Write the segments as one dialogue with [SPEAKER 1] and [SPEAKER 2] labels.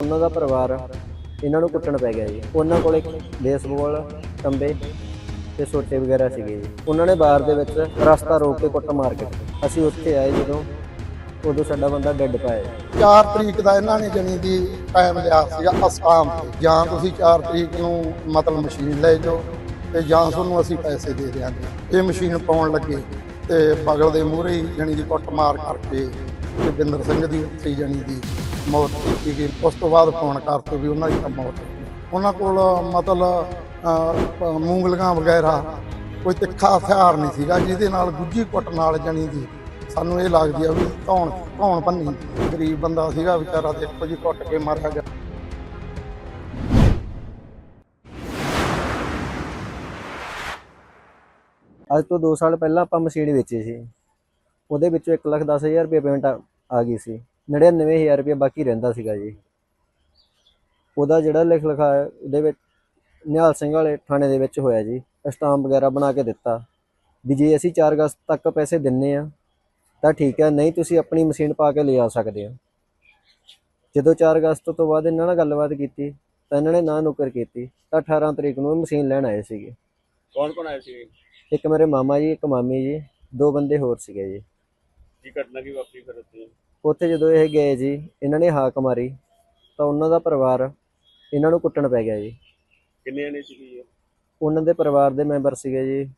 [SPEAKER 1] ਉਹਨਾਂ ਦਾ ਪਰਿਵਾਰ ਇਹਨਾਂ ਨੂੰ ਕੁੱਟਣ ਪੈ ਗਿਆ ਜੀ। ਉਹਨਾਂ ਕੋਲੇ ਬੇਸਬਾਲ ਟੰਬੇ ਤੇ ਸੋਟੇ ਵਗੈਰਾ ਸੀਗੇ ਜੀ। ਉਹਨਾਂ ਨੇ ਬਾਰ ਦੇ ਵਿੱਚ ਰਸਤਾ ਰੋਕ ਕੇ ਕੁੱਟ ਮਾਰ ਕੇ ਅਸੀਂ ਉੱਥੇ ਆਏ ਜਦੋਂ ਉਦੋਂ ਸਾਡਾ ਬੰਦਾ ਡੈੱਡ ਪਾਇਆ।
[SPEAKER 2] 4 ਤਰੀਕ ਦਾ ਇਹਨਾਂ ਨੇ ਜਣੀ ਦੀ ਟਾਈਮ ਲਿਆ ਸੀਗਾ ਅਸਟਾਮ ਤੇ, ਜਾਂ ਤੁਸੀਂ 4 ਤਰੀਕ ਨੂੰ ਮਤਲਬ ਮਸ਼ੀਨ ਲੈ ਜਾਓ ਤੇ ਜਾਂ ਤੁਹਾਨੂੰ ਅਸੀਂ ਪੈਸੇ ਦੇ ਦਿਆਂਗੇ। ਇਹ ਮਸ਼ੀਨ ਪਾਉਣ ਲੱਗੇ ਤੇ ਬਗਲ ਦੇ ਮੂਹਰੇ ਹੀ ਜਣੀ ਦੀ ਕੁੱਟ ਮਾਰ ਕਰਕੇ ਤੇ ਬਿੰਦਰ ਸਿੰਘ ਦੀ ਉੱਥੇ ਜਣੀ ਦੀ ਮੌਤ ਕੀਤੀ ਗਈ। ਉਸ ਤੋਂ ਬਾਅਦ ਫੋਨ ਕਰਤੇ ਵੀ ਉਹਨਾਂ ਦੀ ਤਾਂ ਮੌਤ ਹੋ ਗਈ। ਉਹਨਾਂ ਕੋਲ ਮਤਲਬ ਮੂੰਗਲੀਆਂ ਵਗੈਰਾ ਕੋਈ ਤਿੱਖਾ ਹਥਿਆਰ ਨਹੀਂ ਸੀਗਾ ਜਿਹਦੇ ਨਾਲ ਗੁੱਜੀ ਕੁੱਟ ਨਾਲ ਜਣੀ ਦੀ ਸਾਨੂੰ ਇਹ ਲੱਗਦੀ ਆ ਵੀ ਧੌਣ ਭੰਨੀ। ਗਰੀਬ ਬੰਦਾ ਸੀਗਾ ਵਿਚਾਰਾ, ਦੇਖੋ ਜੀ ਕੁੱਟ ਕੇ ਮਾਰਿਆ ਗਿਆ।
[SPEAKER 1] ਅੱਜ ਤੋਂ 2 ਸਾਲ ਪਹਿਲਾਂ ਆਪਾਂ ਮਸ਼ੀਨ ਵੇਚੀ ਸੀ, ਉਹਦੇ ਵਿੱਚੋਂ 1,10,000 ਰੁਪਏ ਪੇਮੈਂਟ ਆ ਗਈ ਸੀ। 99,000 ਰੁਪਏ ਬਾਕੀ ਰਹਿੰਦਾ ਸੀਗਾ ਜੀ। ਉਹਦਾ ਜਿਹੜਾ ਲਿਖਾ ਉਹਦੇ ਵਿੱਚ ਨਿਹਾਲ ਸਿੰਘ ਵਾਲੇ ਥਾਣੇ ਦੇ ਵਿੱਚ ਹੋਇਆ ਜੀ। ਸਟਾਂਪ ਵਗੈਰਾ ਬਣਾ ਕੇ ਦਿੱਤਾ ਵੀ ਜੇ ਅਸੀਂ 4 ਅਗਸਤ ਤੱਕ ਪੈਸੇ ਦਿੰਨੇ ਆ ਤਾਂ ਠੀਕ ਹੈ, ਨਹੀਂ ਤੁਸੀਂ ਆਪਣੀ ਮਸ਼ੀਨ ਪਾ ਕੇ ਲਿਜਾ ਸਕਦੇ ਹੋ। ਜਦੋਂ 4 ਅਗਸਤ ਤੋਂ ਬਾਅਦ ਇਹਨਾਂ ਨਾਲ ਗੱਲਬਾਤ ਕੀਤੀ ਤਾਂ ਇਹਨਾਂ ਨੇ ਨਾ ਨੁਕਰ ਕੀਤੀ ਤਾਂ 18 ਤਰੀਕ ਨੂੰ ਮਸ਼ੀਨ ਲੈਣ ਆਏ ਸੀਗੇ।
[SPEAKER 3] ਕੌਣ ਆਏ ਸੀ?
[SPEAKER 1] ਇੱਕ ਮੇਰੇ ਮਾਮਾ ਜੀ, ਇੱਕ ਮਾਮੀ ਜੀ, 2 ਬੰਦੇ ਹੋਰ ਸੀਗੇ ਜੀ।
[SPEAKER 3] ਕੀ ਘਟਨਾ ਕੀ ਵਾਪਰੀ ਫਿਰ
[SPEAKER 1] ਉੱਥੇ ਜਦੋਂ ਇਹ ਗਏ ਜੀ, ਇਹਨਾਂ ਨੇ ਹਾਕ ਮਾਰੀ ਤਾਂ ਉਹਨਾਂ ਦਾ ਪਰਿਵਾਰ ਇਹਨਾਂ ਨੂੰ ਕੁੱਟਣ ਪੈ ਗਿਆ ਜੀ।
[SPEAKER 3] ਕਿੰਨੇ ਜਣੇ ਸੀ?
[SPEAKER 1] ਉਹਨਾਂ ਦੇ ਪਰਿਵਾਰ ਦੇ ਮੈਂਬਰ ਸੀਗੇ ਜੀ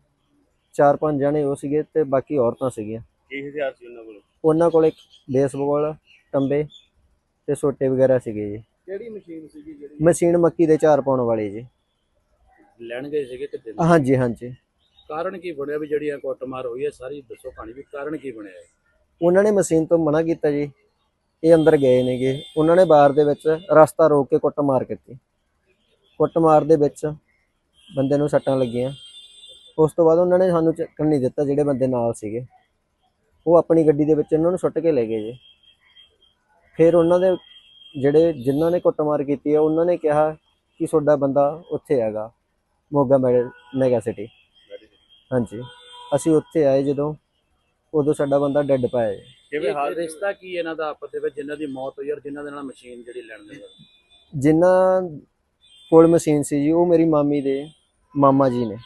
[SPEAKER 1] 4-5 ਜਣੇ ਉਹ ਸੀਗੇ ਤੇ ਬਾਕੀ ਔਰਤਾਂ ਸੀਗੀਆਂ।
[SPEAKER 3] ਕੀ ਹਥਿਆਰ ਸੀ ਉਹਨਾਂ ਕੋਲ?
[SPEAKER 1] ਉਹਨਾਂ ਕੋਲ ਬੇਸਬਾਲ ਟੰਬੇ ਤੇ ਸੋਟੇ ਵਗੈਰਾ ਸੀਗੇ ਜੀ।
[SPEAKER 3] ਕਿਹੜੀ ਮਸ਼ੀਨ ਸੀਗੀ ਜਿਹੜੀ
[SPEAKER 1] ਮਸ਼ੀਨ ਮੱਕੀ ਦੇ 4 ਪਾਉਣ ਵਾਲੀ ਜੀ।
[SPEAKER 3] ਲੈਣ ਗਏ ਸੀਗੇ ਕਿਤੇ?
[SPEAKER 1] ਹਾਂਜੀ ਹਾਂਜੀ।
[SPEAKER 3] ਕਾਰਨ ਕੀ ਬਣਿਆ ਵੀ ਜਿਹੜੀ ਕੁੱਟਮਾਰ ਹੋਈ ਹੈ? ਸਾਰੀ ਦੱਸੋ ਕਹਾਣੀ ਵੀ ਕਾਰਨ ਕੀ ਬਣਿਆ ਹੈ।
[SPEAKER 1] ਉਹਨਾਂ ਨੇ ਮਸ਼ੀਨ ਤੋਂ ਮਨਾ ਕੀਤਾ ਜੀ। ਇਹ ਅੰਦਰ ਗਏ ਨੇਗੇ, ਉਹਨਾਂ ਨੇ ਬਾਰ ਦੇ ਵਿੱਚ ਰਸਤਾ ਰੋਕ ਕੇ ਕੁੱਟਮਾਰ ਕੀਤੀ। ਕੁੱਟਮਾਰ ਦੇ ਵਿੱਚ ਬੰਦੇ ਨੂੰ ਸੱਟਾਂ ਲੱਗੀਆਂ। ਉਸ ਤੋਂ ਬਾਅਦ ਉਹਨਾਂ ਨੇ ਸਾਨੂੰ ਚੱਕਣ ਨਹੀਂ ਦਿੱਤਾ। ਜਿਹੜੇ ਬੰਦੇ ਨਾਲ ਸੀਗੇ ਉਹ ਆਪਣੀ ਗੱਡੀ ਦੇ ਵਿੱਚ ਇਹਨਾਂ ਨੂੰ ਸੁੱਟ ਕੇ ਲੈ ਗਏ ਜੀ। ਫਿਰ ਉਹਨਾਂ ਦੇ ਜਿਨ੍ਹਾਂ ਨੇ ਕੁੱਟਮਾਰ ਕੀਤੀ ਹੈ ਉਹਨਾਂ ਨੇ ਕਿਹਾ ਕਿ ਤੁਹਾਡਾ ਬੰਦਾ ਉੱਥੇ ਹੈਗਾ ਮੋਗਾ ਮੈਗਾ ਸਿਟੀ। ਹਾਂਜੀ, ਅਸੀਂ ਉੱਥੇ ਆਏ ਜਦੋਂ ਉਦੋਂ ਸਾਡਾ ਬੰਦਾ ਡੈੱਡ ਪਾਇਆ ਜੀ।
[SPEAKER 3] ਕਿਵੇਂ ਹਾਲ ਰਿਸ਼ਤਾ ਕੀ ਇਹਨਾਂ ਦਾ ਆਪਸ ਦੇ ਵਿੱਚ, ਜਿਨ੍ਹਾਂ ਦੀ ਮੌਤ ਹੋਈ ਔਰ ਜਿਨ੍ਹਾਂ ਦੇ ਨਾਲ ਮਸ਼ੀਨ ਜਿਹੜੀ ਲੈਣ ਦੇ?
[SPEAKER 1] ਜਿਨ੍ਹਾਂ ਕੋਲ ਮਸ਼ੀਨ ਸੀ ਜੀ ਉਹ ਮੇਰੀ ਮਾਮੀ ਦੇ ਮਾਮਾ ਜੀ ਨੇ।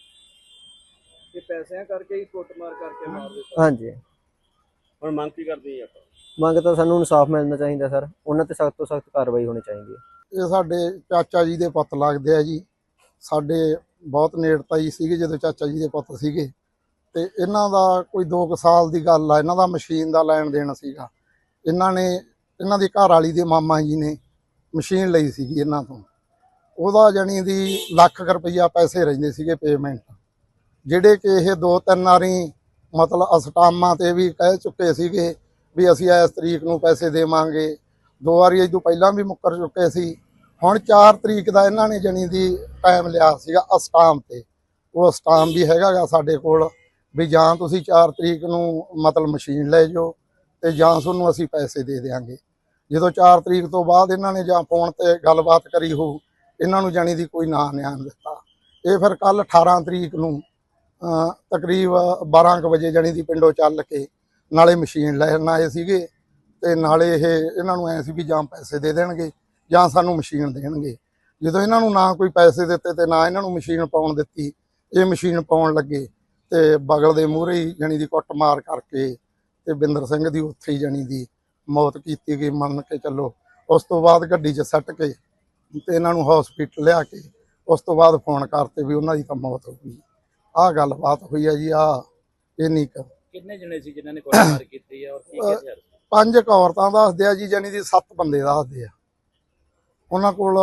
[SPEAKER 3] ਇਹ ਪੈਸਿਆਂ ਕਰਕੇ ਹੀ ਕੁੱਟਮਾਰ ਕਰਕੇ ਮਾਰ ਦਿੱਤਾ?
[SPEAKER 1] ਹਾਂਜੀ।
[SPEAKER 3] ਹੁਣ ਮੰਗ ਕੀ ਕਰਦੇ ਆਪਾਂ?
[SPEAKER 1] ਮੰਗ ਤਾਂ ਸਾਨੂੰ ਇਨਸਾਫ ਮਿਲਣਾ ਚਾਹੀਦਾ ਸਰ, ਉਹਨਾਂ ਤੇ ਸਖਤ ਤੋਂ ਸਖਤ ਕਾਰਵਾਈ ਹੋਣੀ ਚਾਹੀਦੀ ਹੈ।
[SPEAKER 2] ਇਹ ਸਾਡੇ ਚਾਚਾ ਜੀ ਦੇ ਪੁੱਤ ਲੱਗਦੇ ਆ ਜੀ। ਸਾਡੇ ਬਹੁਤ ਨੇੜਤਾ ਹੀ ਸੀਗੇ ਜਦੋਂ ਚਾਚਾ ਜੀ ਦੇ ਪੁੱਤ ਸੀਗੇ ਤੇ ਇਹਨਾਂ ਦਾ ਕੋਈ 2 ਸਾਲ ਦੀ ਗੱਲ ਆ। ਇਹਨਾਂ ਦਾ ਮਸ਼ੀਨ ਦਾ ਲੈਣ ਦੇਣ ਸੀਗਾ। ਇਹਨਾਂ ਦੀ ਘਰ ਵਾਲੀ ਦੇ ਮਾਮਾ ਜੀ ਨੇ ਮਸ਼ੀਨ ਲਈ ਸੀਗੀ ਇਹਨਾਂ ਤੋਂ। ਉਹਦਾ ਜਾਣੀ ਦੀ ਲੱਖ ਰੁਪਈਆ ਪੈਸੇ ਰਹਿੰਦੇ ਸੀਗੇ ਪੇਮੈਂਟ, ਜਿਹੜੇ ਕਿ ਇਹ 2-3 ਵਾਰੀ ਮਤਲਬ ਅਸਟਾਮਾਂ ਤੇ ਵੀ ਕਹਿ ਚੁੱਕੇ ਸੀਗੇ ਵੀ ਅਸੀਂ ਇਸ ਤਰੀਕ ਨੂੰ ਪੈਸੇ ਦੇਵਾਂਗੇ। 2 ਵਾਰੀ ਇਹ ਤੋਂ ਪਹਿਲਾਂ ਵੀ ਮੁੱਕਰ ਚੁੱਕੇ ਸੀ। ਹੁਣ 4 ਤਰੀਕ ਦਾ ਇਹਨਾਂ ਨੇ ਜਣੀ ਦੀ ਟਾਈਮ ਲਿਆ ਸੀਗਾ ਅਸਟਾਮ ਤੇ। ਉਹ ਅਸਟਾਮ ਵੀ ਹੈਗਾ ਗਾ ਸਾਡੇ ਕੋਲ ਵੀ ਜਾਂ ਤੁਸੀਂ 4 ਤਰੀਕ ਨੂੰ ਮਤਲਬ ਮਸ਼ੀਨ ਲੈ ਜਾਓ ਤੇ ਜਾਂ ਤੁਹਾਨੂੰ ਅਸੀਂ ਪੈਸੇ ਦੇ ਦਿਆਂਗੇ। ਜਦੋਂ 4 ਤਰੀਕ ਤੋਂ ਬਾਅਦ ਇਹਨਾਂ ਨੇ ਜਾਂ ਫੋਨ ਤੇ ਗੱਲਬਾਤ ਕਰੀ ਹੋ, ਇਹਨਾਂ ਨੂੰ ਜਾਣੀ ਦੀ ਕੋਈ ਨਾਂ ਨਿਆਣ ਦਿੱਤਾ। ਇਹ ਫਿਰ ਕੱਲ 18 ਤਰੀਕ ਨੂੰ ਤਕਰੀਬ 12 ਕੁ ਵਜੇ ਜਾਣੀ ਦੀ ਪਿੰਡੋਂ ਚੱਲ ਕੇ ਨਾਲੇ ਮਸ਼ੀਨ ਲੈਣ ਆਏ ਸੀਗੇ ਤੇ ਨਾਲੇ ਇਹਨਾਂ ਨੂੰ ਐ ਸੀ ਵੀ ਜਾਂ ਪੈਸੇ ਦੇ ਦੇਣਗੇ ਜਾਂ ਸਾਨੂੰ ਮਸ਼ੀਨ ਦੇਣਗੇ। ਜਦੋਂ ਇਹਨਾਂ ਨੂੰ ਨਾ ਕੋਈ ਪੈਸੇ ਦਿੱਤੇ ਤੇ ਨਾ ਇਹਨਾਂ ਨੂੰ ਮਸ਼ੀਨ ਪਾਉਣ ਦਿੱਤੀ, ਇਹ ਮਸ਼ੀਨ ਪਾਉਣ ਲੱਗੇ ਤੇ ਬਗਲ ਦੇ ਮੂਹਰੇ ਹੀ ਜਾਣੀ ਦੀ ਕੁੱਟ ਮਾਰ ਕਰਕੇ ਤੇ ਬਿੰਦਰ ਸਿੰਘ ਦੀ ਉੱਥੇ ਹੀ ਜਾਣੀ ਦੀ ਮੌਤ ਕੀਤੀ ਗਈ, ਮੰਨ ਕੇ ਚੱਲੋ। ਉਸ ਤੋਂ ਬਾਅਦ ਗੱਡੀ 'ਚ ਸੱਟ ਕੇ ਤੇ ਇਹਨਾਂ ਨੂੰ ਹਸਪੀਟਲ ਲਿਆ ਕੇ ਉਸ ਤੋਂ ਬਾਅਦ ਫੋਨ ਕਰਤੇ ਵੀ ਉਹਨਾਂ ਦੀ ਤਾਂ ਮੌਤ ਹੋ ਗਈ। ਆਹ ਗੱਲਬਾਤ ਹੋਈ ਹੈ ਜੀ। ਇੰਨੀ ਕੁ।
[SPEAKER 3] ਕਿੰਨੇ ਜਣੇ ਸੀ ਜਿਨ੍ਹਾਂ ਨੇ ਕੁੱਟਮਾਰ ਕੀਤੀ ਹੈ ਔਰ ਕੀ ਹਥਿਆਰ?
[SPEAKER 2] 5 ਔਰਤਾਂ ਦੱਸਦੇ ਆ ਜੀ, ਜਾਣੀ ਦੀ 7 ਬੰਦੇ ਦੱਸਦੇ ਆ। ਉਹਨਾਂ ਕੋਲ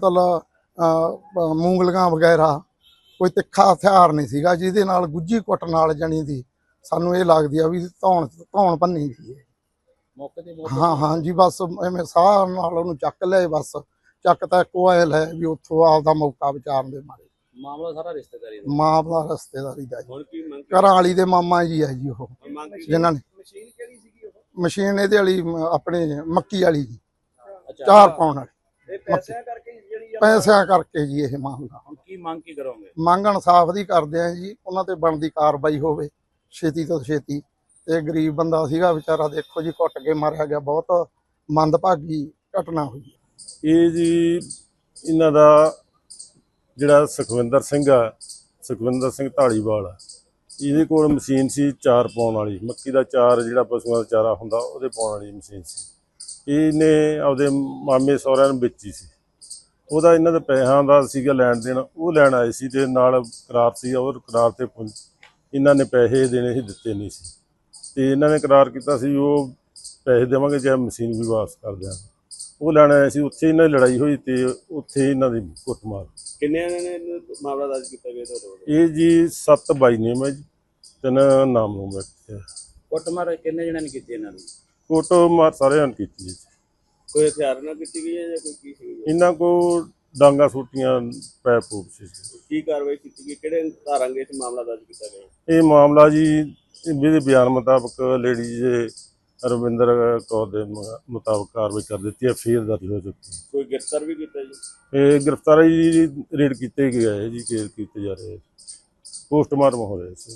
[SPEAKER 2] ਮਤਲਬ ਮੂੰਗਲੀਆਂ ਵਗੈਰਾ ਕੋਈ ਤਿੱਖਾ ਹਥਿਆਰ ਨਹੀਂ ਸੀਗਾ ਜਿਹਦੇ ਨਾਲ ਗੁੱਜੀ ਕੁੱਟ ਨਾਲ ਜਾਣੀ ਦੀ ਸਾਨੂੰ ਇਹ ਲੱਗਦੀ ਆ ਵੀ ਧੌਣ ਭੰਨੀ ਗਈ ਹੈ।
[SPEAKER 3] ਮੌਕੇ ਤੇ
[SPEAKER 2] ਹਾਂ ਜੀ, ਬਸ ਐਵੇਂ ਸਾਹ ਨਾਲ ਉਹਨੂੰ ਚੱਕ ਲਿਆ। ਬਸ ਚੱਕ ਤਾਂ ਇੱਕੋ ਆਏ ਲੈ ਵੀ ਉੱਥੋਂ ਆਪਦਾ ਮੌਕਾ ਵਿਚਾਰਨ ਦੇ ਮਾਰੇ।
[SPEAKER 3] ਮਾਮਲਾ ਸਾਰਾ ਰਿਸ਼ਤੇਦਾਰੀ ਦਾ?
[SPEAKER 2] ਮਾਮਲਾ ਰਿਸ਼ਤੇਦਾਰੀ ਦਾ।
[SPEAKER 3] ਹੁਣ ਕੀ ਮੰਗ?
[SPEAKER 2] ਘਰਾਂ ਵਾਲੀ ਦੇ ਮਾਮਾ ਜੀ ਹੈ ਜੀ ਉਹ, ਜਿਨ੍ਹਾਂ ਨੇ
[SPEAKER 3] ਮਸ਼ੀਨ ਕਿਹੜੀ ਸੀਗੀ ਉਹ?
[SPEAKER 2] ਮਸ਼ੀਨ ਇਹਦੇ ਵਾਲੀ ਆਪਣੇ ਮੱਕੀ ਵਾਲੀ ਜੀ,
[SPEAKER 3] ਅੱਛਾ,
[SPEAKER 2] 4 ਪਾਉਣ ਵਾਲੀ।
[SPEAKER 3] ਇਹ ਪੈਸਿਆਂ ਕਰਕੇ ਜਿਹੜੀ
[SPEAKER 2] ਪੈਸਿਆਂ ਕਰਕੇ ਜੀ ਇਹ ਮਾਮਲਾ।
[SPEAKER 3] ਹੁਣ ਕੀ ਮੰਗ ਕੀ ਕਰੋਗੇ?
[SPEAKER 2] ਮੰਗ ਇਨਸਾਫ ਦੀ ਕਰਦੇ ਆ ਜੀ, ਉਹਨਾਂ ਤੇ ਬਣਦੀ ਕਾਰਵਾਈ ਹੋਵੇ ਛੇਤੀ ਤੋਂ ਛੇਤੀ। ਤੇ ਗਰੀਬ ਬੰਦਾ ਸੀਗਾ ਵਿਚਾਰਾ, ਦੇਖੋ ਜੀ ਕੁੱਟ ਕੇ ਮਾਰਿਆ ਗਿਆ। ਬਹੁਤ ਮੰਦਭਾਗੀ ਘਟਨਾ ਹੋਈ।
[SPEAKER 4] ਇਹ ਜੀ ਇਹਨਾਂ ਦਾ ਜਿਹੜਾ ਸੁਖਵਿੰਦਰ ਸਿੰਘ ਢਾਲੀਵਾਲ ਆ, ਇਹਦੇ ਕੋਲ ਮਸ਼ੀਨ ਸੀ ਚਾਰ ਪਾਉਣ ਵਾਲੀ, ਮੱਕੀ ਦਾ ਚਾਰ ਜਿਹੜਾ ਪਸ਼ੂਆਂ ਦਾ ਚਾਰਾ ਹੁੰਦਾ ਉਹਦੇ ਪਾਉਣ ਵਾਲੀ ਮਸ਼ੀਨ ਸੀ। ਇਹਨੇ ਆਪਦੇ ਮਾਮੇ ਸਹੁਰਿਆਂ ਨੂੰ ਵੇਚੀ ਸੀ। ਉਹਦਾ ਇਹਨਾਂ ਦੇ ਪੈਸਿਆਂ ਦਾ ਸੀਗਾ ਲੈਣ ਦੇਣ, ਉਹ ਲੈਣ ਆਏ ਸੀ ਤੇ ਨਾਲ ਕਰਾਰ ਸੀ, ਉਹ ਕਰਾਰ ਤੇ ਇਹਨਾਂ ਨੇ ਪੈਸੇ ਦੇਣੇ ਸੀ, ਦਿੱਤੇ ਨਹੀਂ ਸੀ ਤੇ ਇਹਨਾਂ ਨੇ ਕਰਾਰ ਕੀਤਾ ਸੀ ਉਹ ਪੈਸੇ ਦੇਵਾਂਗੇ ਚਾਹੇ ਮਸ਼ੀਨ ਵੀ ਵਾਪਸ ਕਰ ਦਿਆਂਗੇ। ਉਹ ਲੈਣ ਆਏ ਸੀ, ਉੱਥੇ ਇਹਨਾਂ ਦੀ ਲੜਾਈ ਹੋਈ ਤੇ ਉੱਥੇ ਇਹਨਾਂ ਦੀ ਕੁੱਟਮਾਰ।
[SPEAKER 3] ਕਿੰਨੇ ਨੇ ਮਾਮਲਾ ਦਰਜ ਕੀਤਾ ਗਿਆ ਤੁਹਾਡੇ?
[SPEAKER 4] ਇਹ ਜੀ 7 ਬਾਈ ਨੇਮ ਹੈ ਜੀ, 3 ਨਾਮ ਨੂੰ ਬੈਠੇ।
[SPEAKER 3] ਕੁੱਟਮਾਰ ਕਿੰਨੇ ਜਣਿਆਂ ਨੇ ਕੀਤੀ ਇਹਨਾਂ ਦੀ?
[SPEAKER 4] ਕੁੱਟਮਾਰ ਸਾਰਿਆਂ ਨੇ ਕੀਤੀ ਜੀ।
[SPEAKER 3] ਕੋਈ ਹਥਿਆਰ ਨਾਲ ਕੀਤੀ ਗਈ ਹੈ ਜਾਂ ਕੋਈ ਕੀ ਸੀ?
[SPEAKER 4] ਇਹਨਾਂ ਕੋਲ ਡਾਂਗਾ ਸੂਟੀਆਂ ਪੈਪ ਪੂਪ ਸੀ।
[SPEAKER 3] ਕੀ ਕਾਰਵਾਈ ਕੀਤੀ ਗਈ? ਕਿਹੜੇ ਧਾਰਾਂਗੇ ਇਸ ਮਾਮਲਾ ਦਰਜ ਕੀਤਾ ਗਿਆ?
[SPEAKER 4] ਇਹ ਮਾਮਲਾ ਜੀ ਇਹਦੇ ਬਿਆਨ ਮੁਤਾਬਕ ਲੇਡੀਜ਼ ਰਵਿੰਦਰ ਕੌਰ ਦੇ ਮੁਤਾਬਕ ਕਾਰਵਾਈ ਕਰ ਦਿੱਤੀ ਹੈ, ਫੇਰ ਦਰਜ ਹੋ ਚੁੱਕੀ ਹੈ।
[SPEAKER 3] ਕੋਈ ਗ੍ਰਿਫਤਾਰ ਵੀ ਕੀਤਾ ਜੀ?
[SPEAKER 4] ਇਹ ਗ੍ਰਿਫਤਾਰੀ ਰੇਡ ਕੀਤੇ ਗਏ ਹੈ ਜੀ, ਕੇਸ ਕੀਤੇ ਜਾ ਰਹੇ, ਪੋਸਟਮਾਰਟਮ ਹੋ ਰਿਹਾ ਸੀ।